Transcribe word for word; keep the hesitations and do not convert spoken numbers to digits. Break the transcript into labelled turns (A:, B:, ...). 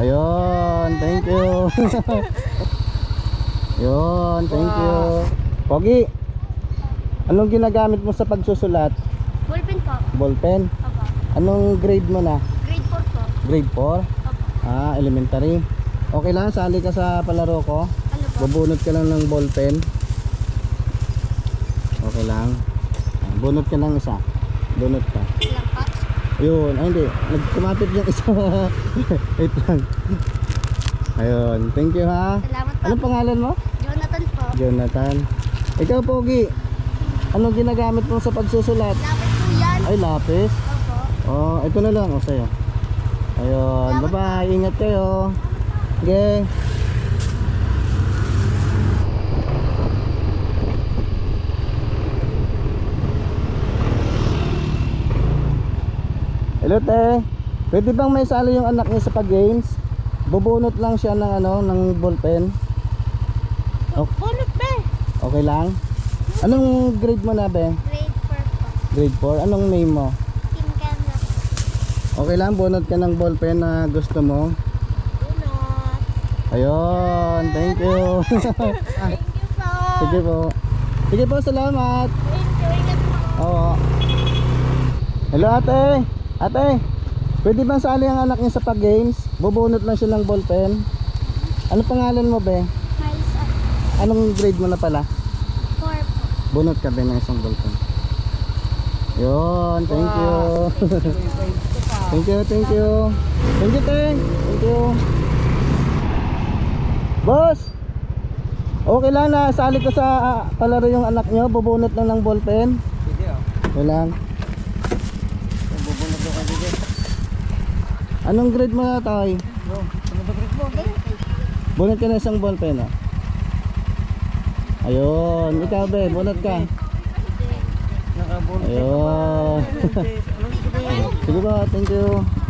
A: Ayun, thank you. Ayun, thank you. Pogi, anong ginagamit mo sa pagsusulat?
B: Ballpen po.
A: Ballpen?
B: Opo.
A: Anong grade mo na?
B: Grade four po.
A: Grade four?
B: Opo.
A: Ah, elementary. Okay lang, sali ka sa palaro ko.
B: Ano po?
A: Bubunot ka lang ng ballpen. Okay lang. Ah, bunot ka ng isa. Bunot ka.
B: Ilang po?
A: Ayun, ay hindi. Nagkumapit yung isa. Wait lang. Ayun, thank you ha.
B: Salamat po.
A: Anong pangalan mo?
B: Jonathan po.
A: Jonathan. Ikaw, Pogi, anong ginagamit mo sa pagsusulat?
B: Lapit po yan.
A: Ay, lapis.
B: Opo.
A: Oh, ito na lang. O, sa'yo. Ayun, bye bye. Ingat kayo. Okay. Hello, te. Pwede bang may sali yung anak niya sa pag-games? Bubunot lang siya ng ano, ng ballpen. Okay.
B: Bunot be.
A: Okay lang? Anong grade mo na, be?
B: Grade four po.
A: Grade four? Anong name mo?
B: Team Canada.
A: Okay lang, bunot ka ng ballpen na gusto mo.
B: Bunot.
A: Ayun, thank you.
B: Thank you po.
A: Sige po. Sige po, salamat.
B: Thank you. Ingat po.
A: Oo. Hello, ate. Ate, pwede bang sali ang anak niya sa pag-games? Bubunot lang siya ng ballpen. Ano pangalan mo, be?
B: Miles up.
A: Anong grade mo na pala?
B: Four po.
A: Bunot ka ba ng isang ballpen? Yun, thank you. Thank you, thank you. Thank you, te. Thank you. Boss, okay lang na sali ko sa uh, palaro yung anak nyo. Bubunot lang ng ballpen.
C: Sige oh.
A: Okay lang.
C: Bubunod daw ka sige.
A: Anong grade mo na, Toy?
C: Bro, ano ba grade mo?
A: Bunot ka na isang ballpen, oh. Ayun, ikaw, be, bunot ka.
C: Nakabunod.
A: Ayun.
C: Ano sige ba yan?
A: Sige ba, thank you.